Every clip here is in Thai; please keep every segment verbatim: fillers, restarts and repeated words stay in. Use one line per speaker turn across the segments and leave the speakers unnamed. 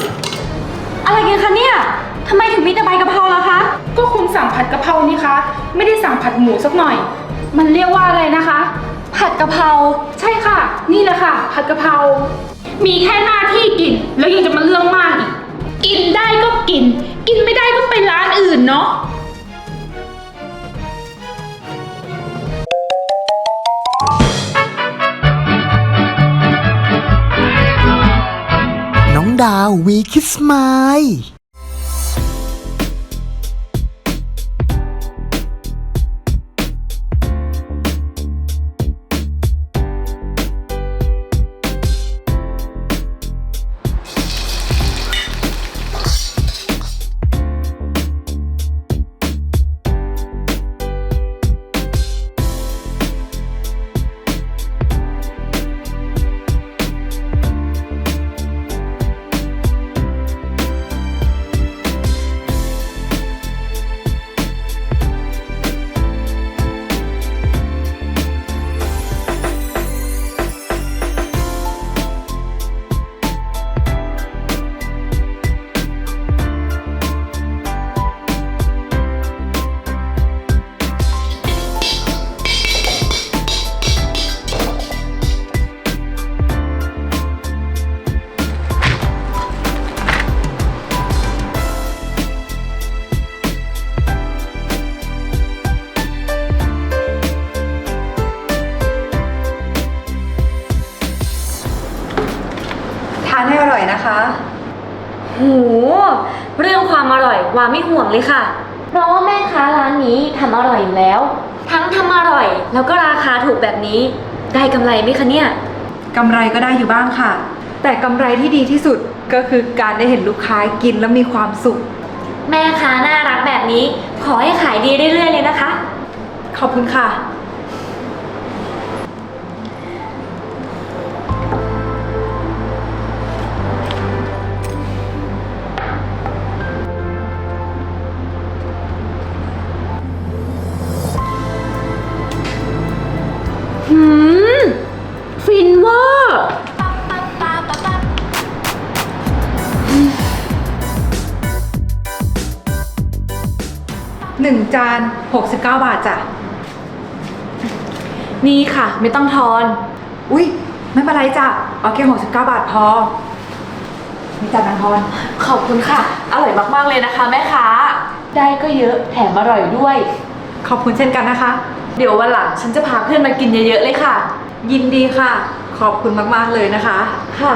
อะไรกันคะเนี่ยทำไมถึงมีแต่ใบกะเพราล่ะคะ
ก็คุณสั่งผัดกะเพรานี่คะไม่ได้สั่งผัดหมูสักหน่อยมันเรียกว่าอะไรนะคะ
ผัดกะเพรา
ใช่ค่ะนี่แหละค่ะผัดกะเพรามีแค่หน้าที่กินแล้วยังจะมาเรื่องมากอีกกินได้ก็กินกินไม่ได้ก็ไปร้านอื่นเนาะ
น้องดาววีคิสไมล์
ทานให้อร่อยนะคะ
โหเรื่องความอร่อยว่าไม่ห่วงเลยค่ะเพราะว่าแม่ค้าร้านนี้ทำอร่อยอยู่แล้วทั้งทำอร่อยแล้วก็ราคาถูกแบบนี้ได้กำไรไหมคะเนี่ย
กำไรก็ได้อยู่บ้างค่ะแต่กำไรที่ดีที่สุดก็คือการได้เห็นลูกค้ากินแล้วมีความสุข
แม่ค้าน่ารักแบบนี้ขอให้ขายดีเรื่อยๆเลยนะคะ
ขอบคุณค่ะ
หืมฟินเวอร์
หนึ่งจานหกสิบเก้าบาทจ้ะ
นี่ค่ะไม่ต้องทอน
อุ๊ยไม่เป็นไรจ้ะเอาแค่หกสิบเก้าบาทพอนี่จ้ะนางพร
ขอบคุณค่ะอร่อยมากๆเลยนะคะแม่ค้าได้ก็เยอะแถมอร่อยด้วย
ขอบคุณเช่นกันนะคะ
เดี๋ยววันหลังฉันจะพาเพื่อนมากินเยอะๆเลยค่ะ
ยินดีค่ะขอบคุณมากๆเลยนะคะ
ค่ะ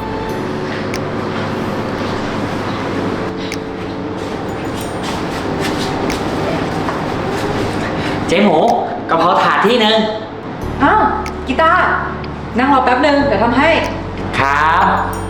เจ๊หมูกะเพราถาดที่หนึ่ง
อ้าวกีตาร์นั่งรอแป๊บหนึ่งเดี๋ยวทำให้
ครับ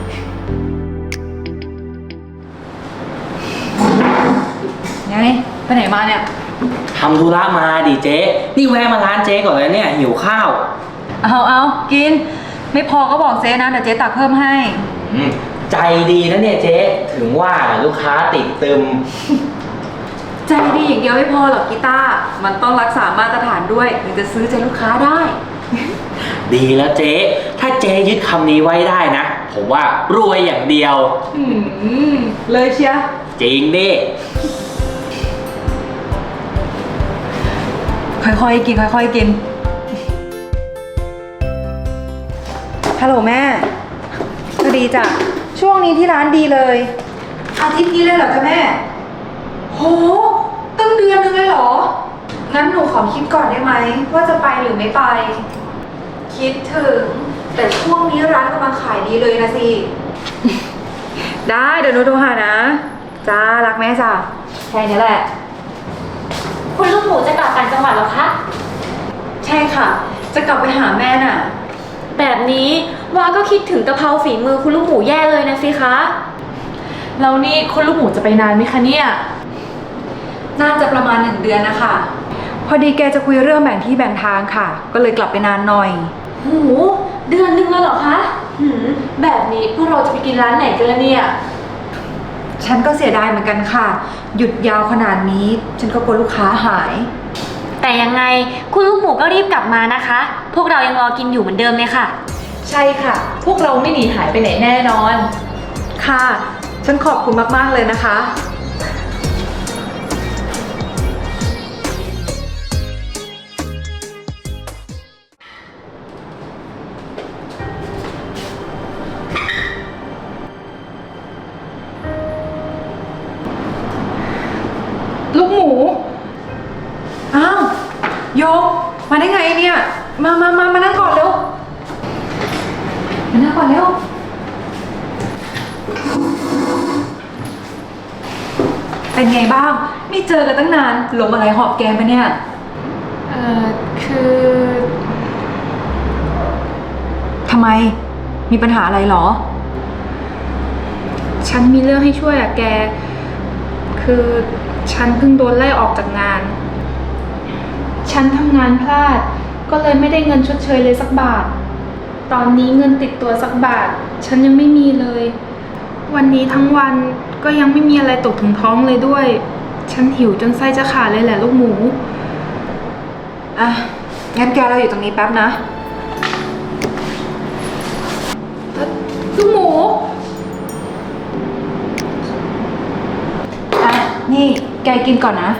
ไงไปไหนมาเนี่ย
ทำธุระมาดิเจ๊นี่แวะมาร้านเจ๊ก่อนเลยเนี่ยหิวข้าว
เอาเอากินไม่พอก็บอกเจ๊นะเดี๋ยวเจ๊ตักเพิ่มให้
ใจดีนะเนี่ยเจ๊ถึงว่าลูกค้าติดตึม
ใจดีอย่างเดียวไม่พอหรอกกีตาร์มันต้องรักษามาตรฐานด้วยถึงจะซื้อใจลูกค้าได้
ดีแล้วเจ๊ถ้าเจ๊ยึดคำนี้ไว้ได้นะผมว่ารวยอย่างเดียว
อืมเลยเชีย
จริงดิ
ค่อยๆกินค่อยๆกินฮัลโหลแม่สวัสดีจ้ะช่วงนี้ที่ร้านดีเลยอาทิตย์นี้เลยเหรอจ๊ะแม่โหตั้งเดือนนึงเลยเหรองั้นหนูขอคิดก่อนได้ไหมว่าจะไปหรือไม่ไปคิดถึงแต่ช่วงนี้ร้านกำลังขายดีเลยนะสิได้เดี๋ยวหนูโทรหานะจ้ารักแม่จ้ะแค่นี้แหละ
คุณลูกหมูจะกลับต่างจังหวัดหรอคะ
ใช่ค่ะจะกลับไปหาแม่น่ะ
แบบนี้วาก็คิดถึงกะเพราฝีมือคุณลูกหมูแย่เลยนะสิคะ
แล้วนี่คุณลูกหมูจะไปนานไหมคะเนี่ย
น่าจะประมาณหนึ่งเดือนนะคะพอดีแกจะคุยเรื่องแบ่งที่แบ่งทางค่ะก็เลยกลับไปนานหน่อย
โหเดือนนึงเลยเหรอคะหืมแบบนี้พวกเราจะไปกินร้านไหนกันล่ะเนี่ย
ฉันก็เสียดายเหมือนกันค่ะหยุดยาวขนาดนี้ฉันก็กลัวลูกค้าหาย
แต่ยังไงคุณลูกหมูก็รีบกลับมานะคะพวกเรายังรอกินอยู่เหมือนเดิมเลยค่ะ
ใช่ค่ะพวกเราไม่หนีหายไปไหนแน่นอน
ค่ะฉันขอบคุณมากๆเลยนะคะ
ลูกหมู
อ้าวโยกมาได้ไงเนี่ย มามามามานั่งก่อนเร็ว มานั่งก่อนเร็ว เป็นไงบ้าง ไม่เจอกันตั้งนานลมอะไรหอบแกมปะเนี่ย
เอ่อ คือ
ทำไม มีปัญหาอะไรเหรอ
ฉันมีเรื่องให้ช่วยอะแก คือฉันเพิ่งโดนไล่ออกจากงาน ฉันทำงานพลาด ก็เลยไม่ได้เงินชดเชยเลยสักบาท ตอนนี้เงินติดตัวสักบาท ฉันยังไม่มีเลย วันนี้ทั้งวันก็ยังไม่มีอะไรตกถึงท้องเลยด้วย ฉันหิวจนไส้จะขาดเลยแหละลูกหมู
อ่ะ งั้นแกเราอยู่ตรงนี้แป๊บนะ
ลูกหมู
อ่ะ นี่แกกินก่อนนะ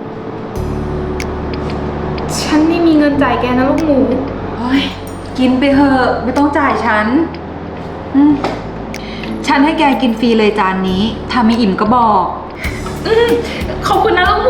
ฉันไม่มีเงินจ่ายแกนะลูกหมู
เฮ้ย กินไปเถอะไม่ต้องจ่ายฉัน อืม ฉันให้แกกินฟรีเลยจานนี้ ถ้าไม่อิ่มก็บอก
อืมขอบคุณนะลูกหมู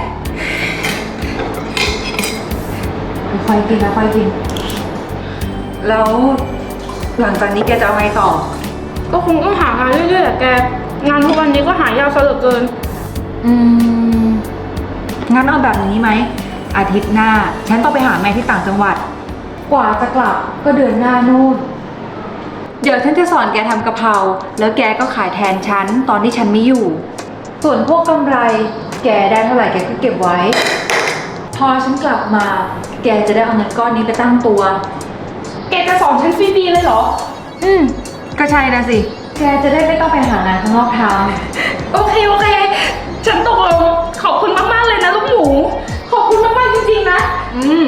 ค่อยๆกินนะค่อยๆกิน แล้วหลังจากนี้แกจะเอาไงต่อ
ก็คงต้องหางานเรื่อยๆแหละแก งานทุกวันนี้ก็หายากซะเหลือเกิน
อืม งั้นเอาแบบนี้ไหม อาทิตย์หน้า ฉันต้องไปหาแม่ที่ต่างจังหวัด กว่าจะกลับก็เดือนหน้านู่น เดี๋ยวฉันจะสอนแกทำกะเพรา แล้วแกก็ขายแทนฉันตอนที่ฉันไม่อยู่ ส่วนพวกกำไร แกได้เท่าไหร่แกก็เก็บไว้ พอฉันกลับมา แกจะได้เอาเงินก้อนนี้ไปตั้งตัว
แกจะสอนฉันฟรีๆเลยเหรอ
อืม ก็ใช่นะสิ แกจะได้ไม่ต้องไปหางานข้างนอกทำ
โอเคโอเค ฉันตกลง ขอบคุณมากๆเลยนะลูกหมู ขอบคุณมากๆจริงๆนะ
อืม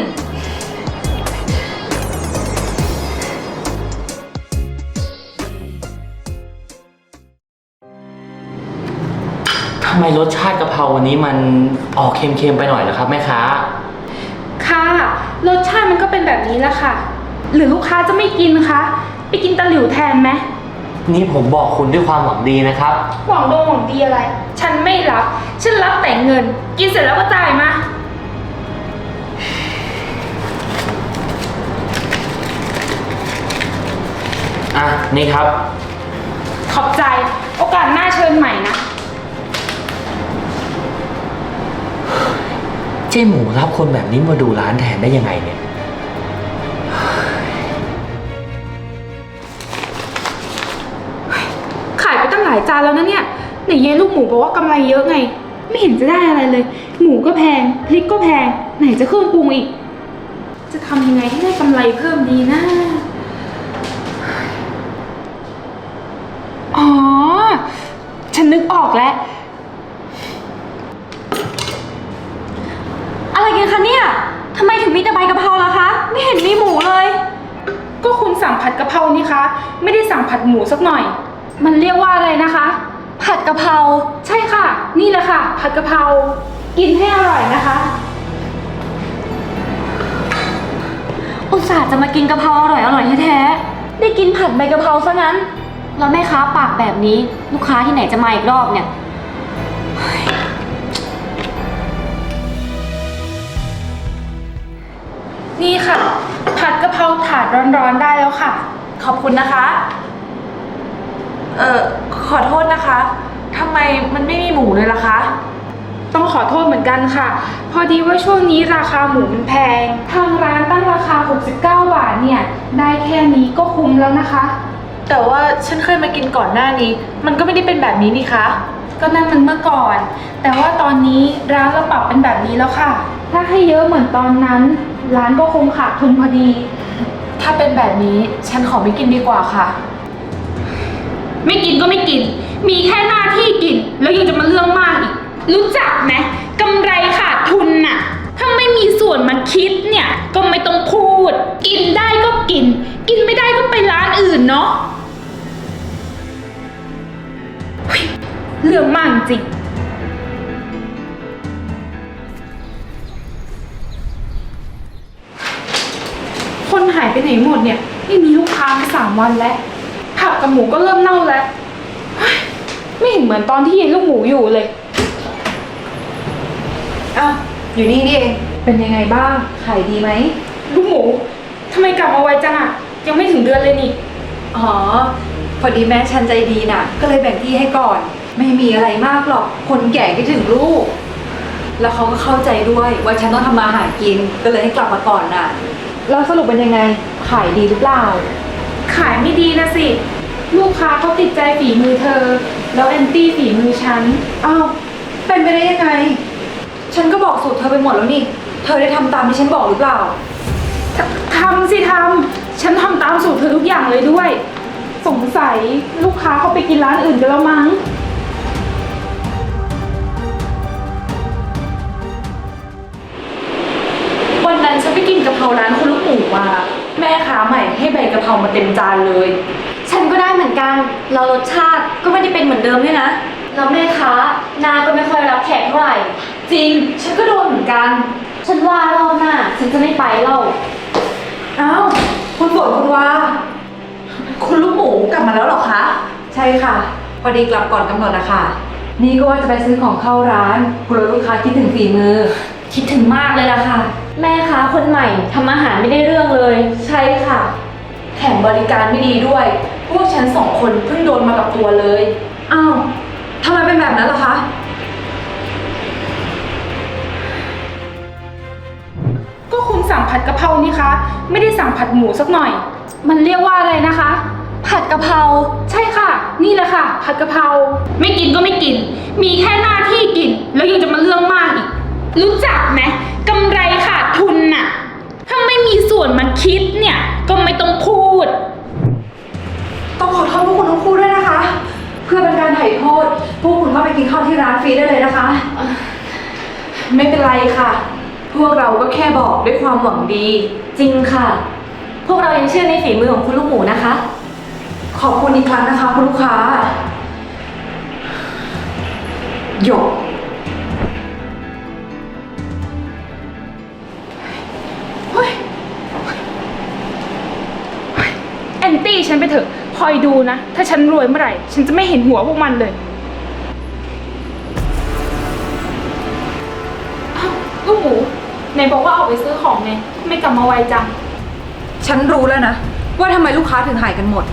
ทำไมรสชาติกะเพราวันนี้มันออกเค็มๆไปหน่อยเหรอครับแม่ค้า
ค่ะ รสชาติมันก็เป็นแบบนี้แหละค่ะ หรือลูกค้าจะไม่กินคะ ไปกินตะหลิวแทนไหม
นี่ผมบอกคุณด้วยความหวังดีนะครับ
หวังโดงหวังดีอะไร ฉันไม่รับ ฉันรับแต่เงิน กินเสร็จแล้วก็จ่ายมา
อ่ะ นี่ครับ
ขอบใจ โอกาสหน้าเชิญใหม่นะ
เจ๊หมูรับคนแบบนี้มาดูร้านแทนได้ยังไงเนี่ย
ขายไปตั้งหลายจานแล้วนะเนี่ยไหนเย้ลูกหมูบอกว่ากำไรเยอะไง ไม่เห็นจะได้อะไรเลย หมูก็แพง พริกก็แพง ไหนจะเครื่องปรุงอีก จะทำยังไงให้ได้กำไรเพิ่มดีนะ อ๋อ ฉันนึกออกแล้ว
อะไรกันคะเนี่ยทำไมถึงมีแต่ใบกะเพราล่ะคะ ไม่เห็นมีหมูเลย
ก็คุณสั่งผัดกะเพรานี่คะ ไม่ได้สั่งผัดหมูสักหน่อย มันเรียกว่าอะไรนะคะ
ผัดกะเพรา
ใช่ค่ะ นี่แหละค่ะ ผัดกะเพรา กินให้อร่อยนะคะ
อุตส่าห์จะมากินกะเพราอร่อยอร่อยแท้ๆได้กินผัดใบกะเพราซะงั้น แล้วแม่ค้าปากแบบนี้ ลูกค้าที่ไหนจะมาอีกรอบเนี่ย
นี่ค่ะ ผัดกะเพราถาดร้อนๆได้แล้วค่ะ
ขอบคุณนะคะ เอ่อ ขอโทษนะคะทำไมมันไม่มีหมูเลยล่ะคะ
ต้องขอโทษเหมือนกันค่ะ พอดีว่าช่วงนี้ราคาหมูมันแพง ทางร้านตั้งราคาหกสิบเก้าบาทเนี่ย ได้แค่นี้ก็คุ้มแล้วนะคะ
แต่ว่าฉันเคยมากินก่อนหน้านี้ มันก็ไม่ได้เป็นแบบนี้นี่คะ
ก็นั่นมันเมื่อก่อน แต่ว่าตอนนี้ร้านเราปรับเป็นแบบนี้แล้วค่ะ ถ้าให้เยอะเหมือนตอนนั้น ร้านก็คงขาดทุนพอดี
ถ้าเป็นแบบนี้ฉันขอไม่กินดีกว่าค่ะ
ไม่กินก็ไม่กิน มีแค่หน้าที่กิน แล้วยังจะมาเรื่องมากอีก รู้จักไหมกำไรขาดทุนน่ะ ถ้าไม่มีส่วนมาคิดเนี่ย ก็ไม่ต้องพูด กินได้ก็กิน กินไม่ได้ก็ไปร้านอื่นเนาะ เฮ้ยเรื่องมากจริงคนหายไปไหนหมดเนี่ยไม่มีลูกค้ามาสามวันแล้วผักกับหมูก็เริ่มเน่าแล้วเฮ้ยไม่เห็นเหมือนตอนที่เย็นลูกหมูอยู่เลย
อ้าวอยู่นี่นี่เอง เป็นยังไงบ้าง ขายดีไหม
ลูกหมูทำไมกลับมาไวจังอะยังไม่ถึงเดือนเลยนี่
อ๋อ พอดีแม่ฉันใจดีน่ะ ก็เลยแบ่งที่ให้ก่อน ไม่มีอะไรมากหรอก คนแก่คิดถึงลูก แล้วเขาก็เข้าใจด้วยว่าฉันต้องทำมาหากิน ก็เลยให้กลับมาก่อนน่ะ แล้วสรุปเป็นยังไง ขายดีหรือเปล่า
ขายไม่ดีนะสิ ลูกค้าเขาติดใจฝีมือเธอ แล้วแอนตี้ฝีมือฉัน
อ้าว เป็นไปได้ยังไง ฉันก็บอกสูตรเธอไปหมดแล้วนี่ เธอได้ทำตามที่ฉันบอกหรือเปล่า
ททำสิทำฉันทำตามสูตรเธอทุกอย่างเลยด้วย สงสัยลูกค้าเขาไปกินร้านอื่นกันแล้วมั้ง วันนั้นฉันไปกินกะเพราร้านคุณลูกหมูมา แม่ค้าใหม่ให้ใบกะเพรามาเต็มจานเลย
ฉันก็ได้เหมือนกันเรารสชาติก็ไม่ได้เป็นเหมือนเดิมด้วยนะแล้วแม่ค้าหนาก็ไม่ค่อยรับแขกเท่าไหร่
จริง ฉันก็โดนเหมือนกัน
ฉันว่ารอบหน้าฉันจะไม่ไปเล่า
อ้าว คุณฝนคุณวาคุณลูกหมูกลับมาแล้วเหรอคะ ใช่ค่ะ พอดีกลับก่อนกำหนดนะคะ นี่ก็ว่าจะไปซื้อของเข้าร้านกลัวลูกค้าคิดถึงฝีมือ
คิดถึงมากเลยล่ะค่ะ แม่ค้าคนใหม่ทำอาหารไม่ได้เรื่องเลย
ใช่ค่ะ แถมบริการไม่ดีด้วย พวกฉันสองคนเพิ่งโดนมากับตัวเลย
อ้าวทำไมเป็นแบบนั้นล่ะคะ
ก็คุณสั่งผัดกะเพรานี่คะ ไม่ได้สั่งผัดหมูสักหน่อย มันเรียกว่าอะไรนะคะ
ผัดกะเพรา
ใช่ค่ะ นี่แหละค่ะ ผัดกะเพราไม่กินก็ไม่กิน มีแค่หน้าที่กิน แล้วยังจะมาเรื่องมากอีก รู้จักไหมกำไรขาดทุนน่ะ ถ้าไม่มีส่วนมาคิดเนี่ย ก็ไม่ต้องพูด
ต้องขอโทษพวกคุณทั้งคู่ด้วยนะคะ เพื่อเป็นการไถ่โทษ พวกคุณก็ไปกินข้าวที่ร้านฟรีได้เลยนะคะ
ไม่เป็นไรค่ะ พวกเราก็แค่บอกด้วยความหวังดี
จริงค่ะ พวกเรายังเชื่อในฝีมือของคุณลูกหมูนะคะ
ขอบคุณอีกครั้งนะคะคุณลูกค้า หยก
เฮ้ยแอนตี้ฉันไปเถอะ คอยดูนะ ถ้าฉันรวยเมื่อไหร่ ฉันจะไม่เห็นหัวพวกมันเลยอ้าวลูกหมูไหนบอกว่าออกไปซื้อของไง ไม่กลับมาไวจัง
ฉันรู้แล้วนะ ว่าทำไมลูกค้าถึงหายกันหมด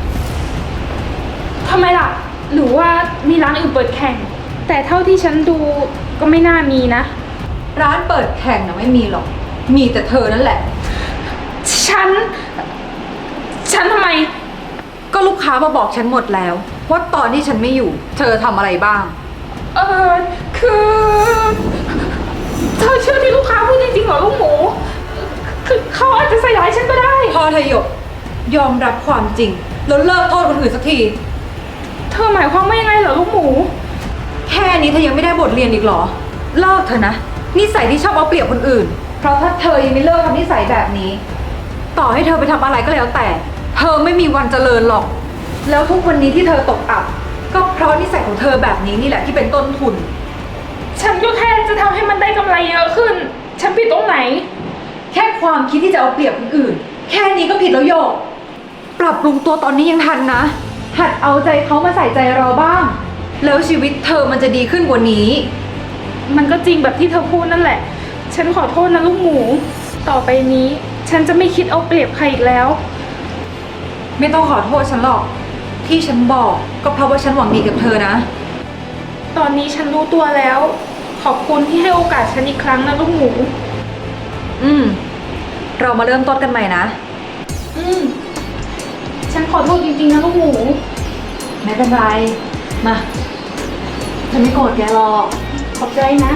ทำไมล่ะ หรือว่ามีร้านอื่นเปิดแข่ง แต่เท่าที่ฉันดูก็ไม่น่ามีนะ
ร้านเปิดแข่งนะไม่มีหรอก มีแต่เธอนั่นแหละ
ฉัน ฉันทำไม
ก็ลูกค้ามาบอกฉันหมดแล้ว ว่าตอนที่ฉันไม่อยู่ เธอทำอะไรบ้าง
เออคือเธอเชื่อที่ลูกค้าพูดจริงๆเหรอลูกหมู คือเขาอาจจะใส่ร้ายฉันก็ได้
พอเธอหยก ยอมรับความจริง แล้วเลิกโทษคนอื่นสักที
เธอหมายความว่ายังไงเหรอลูกหมู
แค่นี้เธอยังไม่ได้บทเรียนอีกเหรอ เลิกเถอะนะ นิสัยที่ชอบเอาเปรียบคนอื่น เพราะถ้าเธอยังไม่เลิกทำนิสัยแบบนี้ ต่อให้เธอไปทำอะไรก็แล้วแต่ เธอไม่มีวันเจริญหรอก แล้วทุกวันนี้ที่เธอตกอับ ก็เพราะนิสัยของเธอแบบนี้นี่แหละที่เป็นต้นทุน
ฉันก็แค่จะทำให้มันได้กำไรเยอะขึ้น ฉันผิดตรงไหน
แค่ความคิดที่จะเอาเปรียบคนอื่น แค่นี้ก็ผิดแล้วโยก ปรับปรุงตัวตอนนี้ยังทันนะ หัดเอาใจเขามาใส่ใจเราบ้าง แล้วชีวิตเธอมันจะดีขึ้นกว่านี้
มันก็จริงแบบที่เธอพูดนั่นแหละ ฉันขอโทษนะลูกหมู ต่อไปนี้ ฉันจะไม่คิดเอาเปรียบใครอีกแล้ว
ไม่ต้องขอโทษฉันหรอก ที่ฉันบอกก็เพราะว่าฉันหวังดีกับเธอนะ
ตอนนี้ฉันรู้ตัวแล้ว ขอบคุณที่ให้โอกาสฉันอีกครั้งนะลูกหมู
อืม เรามาเริ่มต้นกันใหม่นะ
อืม ฉันขอโทษจริงๆนะลูกหมู
ไม่เป็นไร มา ฉันไม่โกรธแกหรอก
ขอบใจนะ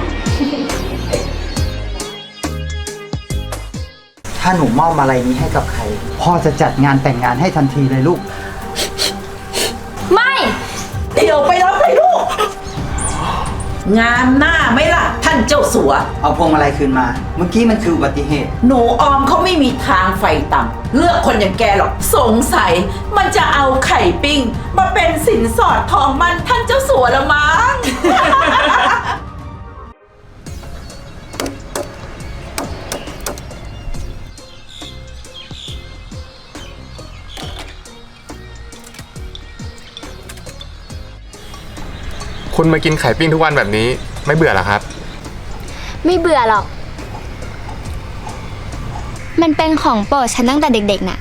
ถ้าหนูมอบอะไรนี้ให้กับใคร พ่อจะจัดงานแต่งงานให้ทันทีเลยลูก
ไม่
เดี๋ยวไปรับเลยลูกงามหน้าไหมล่ะ ท่านเจ้าสัว
เอาพวงมาลัยคืนมา เมื่อกี้มันคืออุบัติเหตุ
หนูออมเขาไม่มีทางไฟต่ำเลือกคนอย่างแกหรอกสงสัยมันจะเอาไข่ปิ้ง มาเป็นสินสอดทองมันท่านเจ้าสัวละมั้ง
คุณมากินไข่ปิ้งทุกวันแบบนี้ไม่เบื่อเหรอครับ
ไม่เบื่อหรอก มันเป็นของโปรดฉันตั้งแต่เด็กๆน่ะ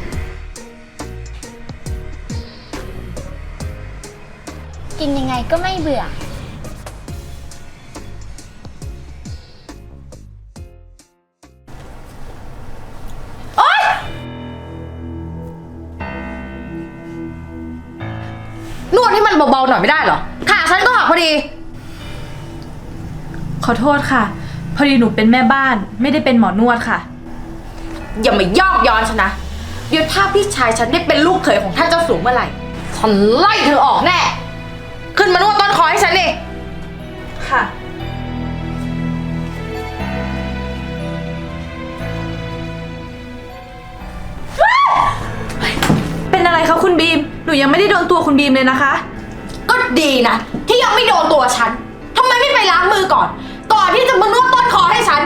กินยังไงก็ไม่เบื่อ
นวดให้มันเบาๆหน่อยไม่ได้เหรอขาฉันก็หักพอดี
ขอโทษค่ะ พอดีหนูเป็นแม่บ้านไม่ได้เป็นหมอนวดค่ะ
อย่ามายอกย้อนฉันนะ เดี๋ยวถ้าพี่ชายฉันได้เป็นลูกเขยของท่านเจ้าสูงเมื่อไหร่ ฉันไล่เธอออกแน่ ขึ้นมานวดต้นคอให้ฉันดิ
ค่ะ เป็นอะไรคะคุณบีม หนูยังไม่ได้โดนตัวคุณบีมเลยนะคะ
ก็ดีนะ ที่ยังไม่โดนตัวฉันทำไมไม่ไปล้างมือก่อน ก่อนที่จะมานวดต้นคอให้ฉัน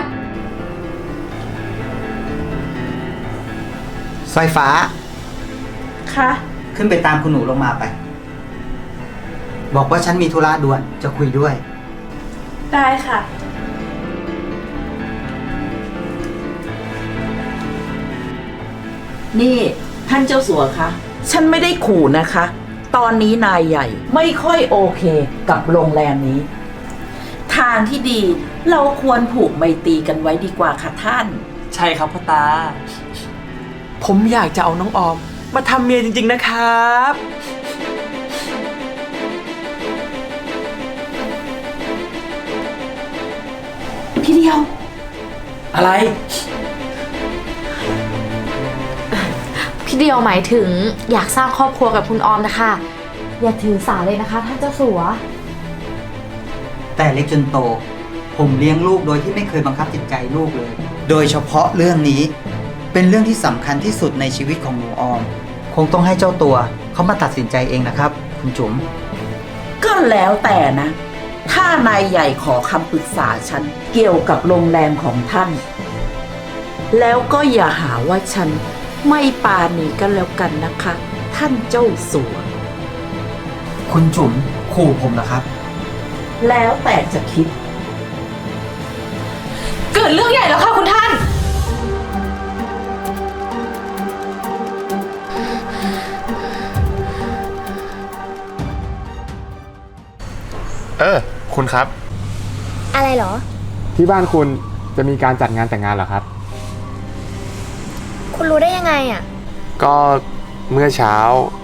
สายฟ้า
คะ
ขึ้นไปตามคุณหนูลงมาไป บอกว่าฉันมีธุระด่วนจะคุยด้วย
ได้ค่ะ
นี่ท่านเจ้าสัวคะฉันไม่ได้ขู่นะคะ ตอนนี้นายใหญ่ไม่ค่อยโอเคกับโรงแรมนี้ ทางที่ดีเราควรผูกไมตรีกันไว้ดีกว่าค่ะท่าน
ใช่ครับพ่อตา ผมอยากจะเอาน้องออม มาทำเมียจริงๆนะครับ
พี่เดียว
อะไร
พี่เดียวหมายถึงอยากสร้างครอบครัวกับคุณออมนะคะ อย่าถือสาเลยนะคะท่านเจ้าสัว
แต่เล็กจนโต ผมเลี้ยงลูกโดยที่ไม่เคยบังคับจิตใจลูกเลย โดยเฉพาะเรื่องนี้เป็นเรื่องที่สำคัญที่สุดในชีวิตของหนูออม คงต้องให้เจ้าตัวเขามาตัดสินใจเองนะครับ คุณจุ๋ม
ก็แล้วแต่นะ ถ้านายใหญ่ขอคำปรึกษาฉันเกี่ยวกับโรงแรมของท่าน แล้วก็อย่าหาว่าฉันไม่ปาณีกันแล้วกันนะคะ ท่านเจ้าสัว
คุณจุ๋มขู่ผมนะครับ
แล้วแต่จะคิด
เกิดเรื่องใหญ่แล้วค่ะคุณท่าน
เออ คุณครับ
อะไรเหรอ
ที่บ้านคุณจะมีการจัดงานแต่งงานเหรอครับ
คุณรู้ได้ยังไงอ่ะ
ก็เมื่อเช้า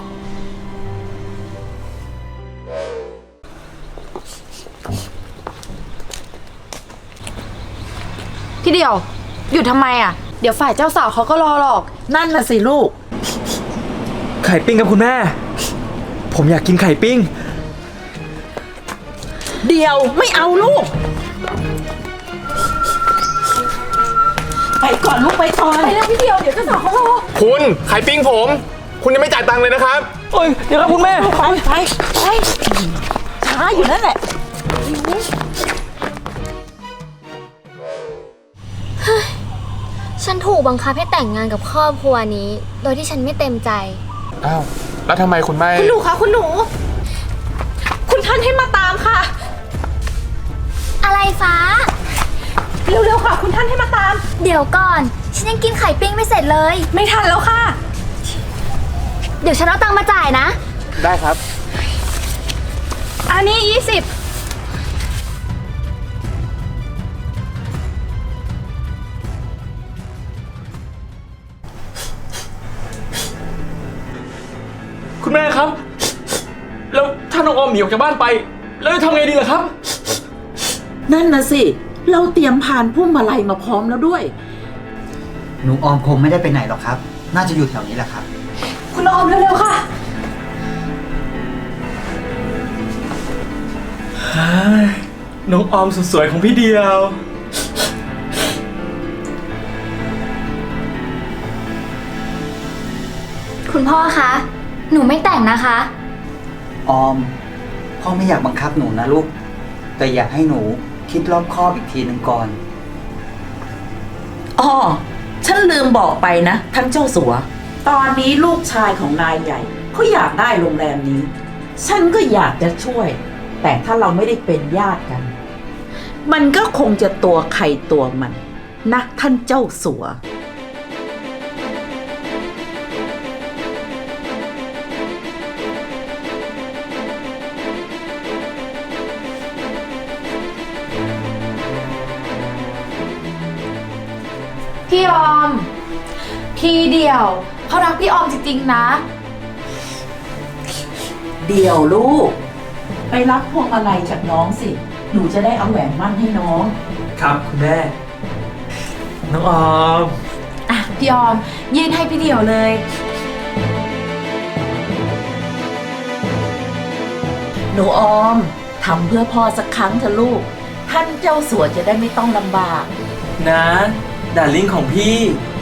พี่เดียว อยู่ทำไมอ่ะ เดี๋ยวฝ่ายเจ้าสาวเขาก็รอหรอก
นั่นน่ะสิลูก
ไข่ปิ้งกับคุณแม่ ผมอยากกินไข่ปิ้ง
เดียวไม่เอาลูก ไปก่อนลูกไปก่อน
ไปเร็วพี่เดียว เดี๋ยวเจ้าสาวเขารอ
คุณไข่ปิ้งผม คุณยังไม่จ่ายตังค์เลยนะครับ
โอ้ย เดี๋ยวครับคุณแม่
ไปไปไปช้าอยู่นั่นแหละ
ฉันถูกบังคับให้แต่งงานกับครอบครัวนี้ โดยที่ฉันไม่เต็มใจ
อ้าว แล้วทำไมคุณไม่
คุณหนูคะคุณหนู คุณท่านให้มาตามค่ะ
อะไรฟ้า
เร็วๆค่ะ คุณท่านให้มาตาม
เดี๋ยวก่อน ฉันยังกินไข่ปิ้งไม่เสร็จเลย
ไม่ทันแล้วค่ะ
เดี๋ยวฉันเอาตังค์มาจ่ายนะ
ได้ครับ
อันนี้ยี่สิบ
คุณแม่ครับ แล้วถ้าน้องออมหนีออกจากบ้านไป แล้วจะทำไงดีล่ะครับ
นั่นน่ะสิ เราเตรียมผ่านพุ่มมาลัยมาพร้อมแล้วด้วย
หนูออมคงไม่ได้ไปไหนหรอกครับ น่าจะอยู่แถวนี้แหละครับ
คุณออมเร็วๆค่ะ
นน้องออมสุดสวยของพี่เดียว
คุณพ่อคะ หนูไม่แต่งนะคะ
ออม พ่อไม่อยากบังคับหนูนะลูก แต่อยากให้หนูคิดรอบคอบอีกทีหนึ่งก่อน
อ๋อ ฉันลืมบอกไปนะท่านเจ้าสัว ตอนนี้ลูกชายของนายใหญ่เขาอยากได้โรงแรมนี้ ฉันก็อยากจะช่วย แต่ถ้าเราไม่ได้เป็นญาติกัน มันก็คงจะตัวใครตัวมันนะท่านเจ้าสัว
พี่ออม พี่เดียวเขารักพี่ออมจริงๆนะ
เดี๋ยวลูก ไปรับพวงมาลัยจากน้องสิ หนูจะได้เอาแหวนมั่นให้น้อง
ครับคุณแม่ น้องออม
อ่ะ พี่ออม ยื่นให้พี่เดียวเลย
หนูออมทำเพื่อพ่อสักครั้งเถอะลูก ท่านเจ้าสัวจะได้ไม่ต้องลำบาก
นะดาริ่งของพี่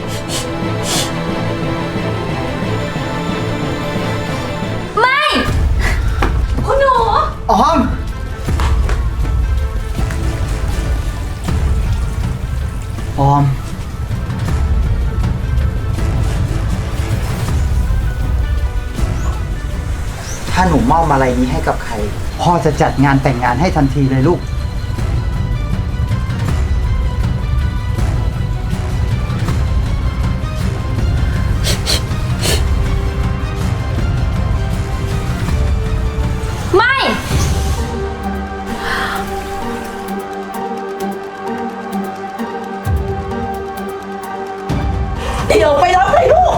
ไม่ คุณหนู
ออม ออม ถ้าหนูมอบอะไรนี้ให้กับใคร พ่อจะจัดงานแต่งงานให้ทันทีเลยลูก
ไม่
เดี๋ยวไปรับเลยลูก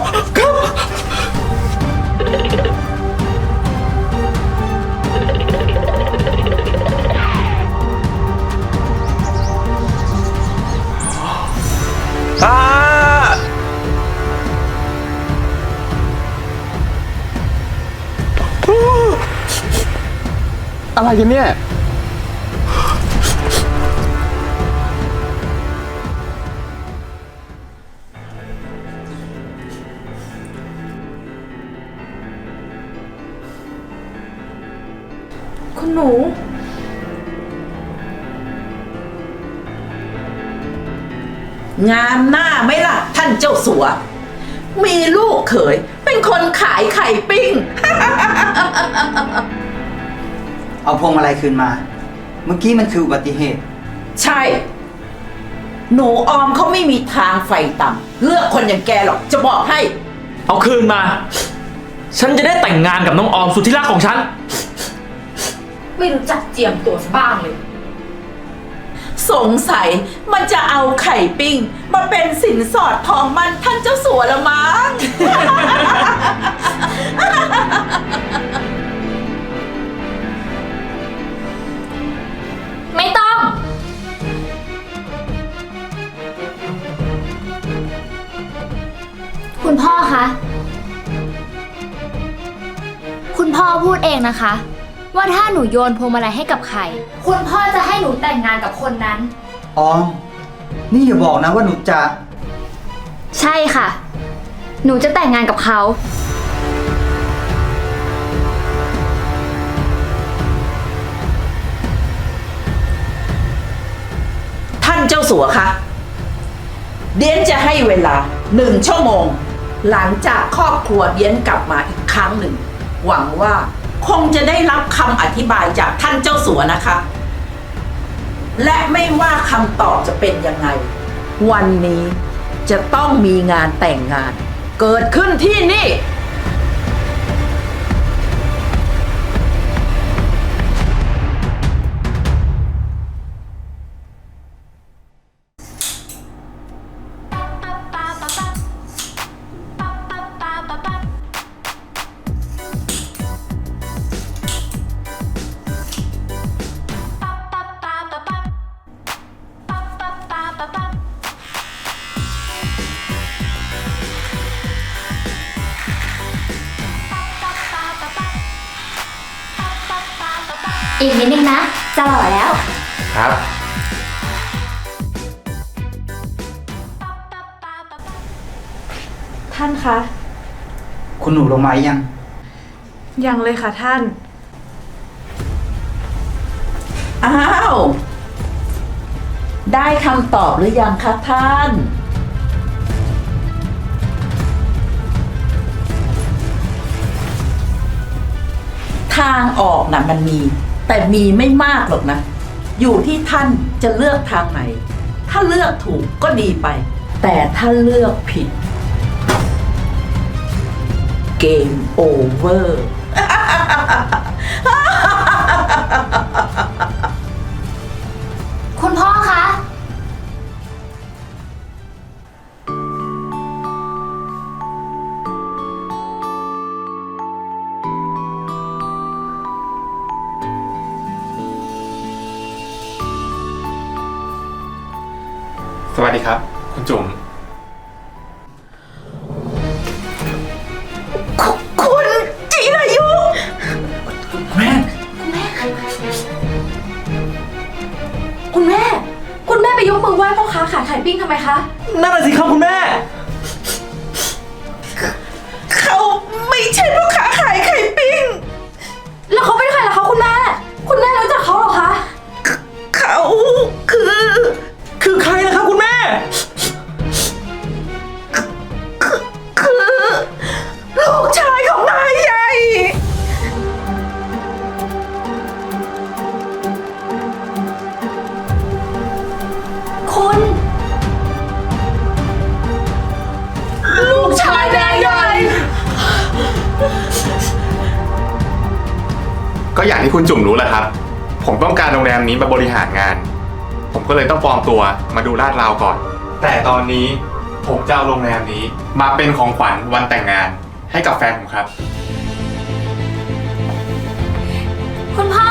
อ่า
อะไรกันเนี่ย
คุณหนู
งามหน้าไหมล่ะ ท่านเจ้าสัว มีลูกเขยเป็นคนขายไข่ปิ้ง
เอาพวงมาลัยคืนมา เมื่อกี้มันคืออุบัติเหตุ
ใช่ หนูออมเขาไม่มีทางไฟต่ำเลือกคนอย่างแกหรอกจะบอกให้
เอาคืนมา ฉันจะได้แต่งงานกับน้องออมสุดที่รักของฉัน
ไม่รู้จักเจียมตัวซะบ้างเลย
สงสัยมันจะเอาไข่ปิ้ง มาเป็นสินสอดทองมันท่านเจ้าสัวละมั้ง
ไม่ต้อง คุณพ่อคะ คุณพ่อพูดเองนะคะ ว่าถ้าหนูโยนพวงมาลัยให้กับใคร คุณพ่อจะให้หนูแต่งงานกับคนนั้น
ออม นี่อย่าบอกนะว่าหนูจะ
ใช่ค่ะ หนูจะแต่งงานกับเขา
ท่านเจ้าสัวคะเดียนจะให้เวลาหนึ่งชั่วโมง หลังจากครอบครัวเดียนกลับมาอีกครั้งหนึ่ง หวังว่าคงจะได้รับคำอธิบายจากท่านเจ้าสัวนะคะ และไม่ว่าคำตอบจะเป็นยังไง วันนี้จะต้องมีงานแต่งงาน เกิดขึ้นที่นี่
อีกนิดนึงนะ จะหล่อแล้ว
ครับ
ท่านคะ
คุณหนูลงมายัง
ยังเลยค่ะท่าน
อ้าว ได้คำตอบหรือยังคะท่าน ทางออกนะมันมี แต่มีไม่มากหรอกนะ อยู่ที่ท่านจะเลือกทางไหน ถ้าเลือกถูกก็ดีไป แต่ถ้าเลือกผิด เกมโอเวอร์
คุณพ่อคะ
สวัสดีครับ คุณจุ๋ม
คุณจิรายุ
แม่
คุณแม่ คุณแม่ไปยกมือไหว้พ่อค้าขายไข่ปิ้งทำไมคะ
นั่นน่ะสิครับคุณแม่
เขาไม่ใช่พ่อค้าขายไข่ปิ้ง
แล้วเขาเป็นใครล่ะคะคุณแม่ คุณแม่รู้จักเขาเหรอคะ
เขาคือ
คือใครนะครับคุณแม่
คือลูกชายของนายใหญ่
คุณ
ลูกชายนายใหญ่
ก็อย่างที่คุณจุ๋มรู้แหละครับ ผมต้องการโรงแรมนี้มาบริหารงาน ผมก็เลยต้องปลอมตัวมาดูลาดราวก่อน แต่ตอนนี้ผมจะเอาโรงแรมนี้มาเป็นของขวัญวันแต่งงานให้กับแฟนผมครับ
คุณพ่อ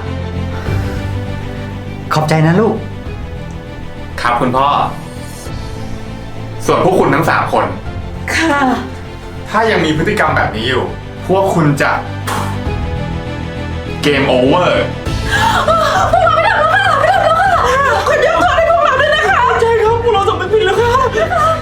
ขอบใจนะลูก
ครับคุณพ่อ ส่วนพวกคุณทั้งสามคน
ค่ะ
ถ้ายังมีพฤติกรรมแบบนี้อยู่ พวกคุณจะเกมโอเวอร์
คุณยกโทษให้พวกเราด้วยนะคะ
ใช่ครับพวกเราสำนึกผิดแล้วครับ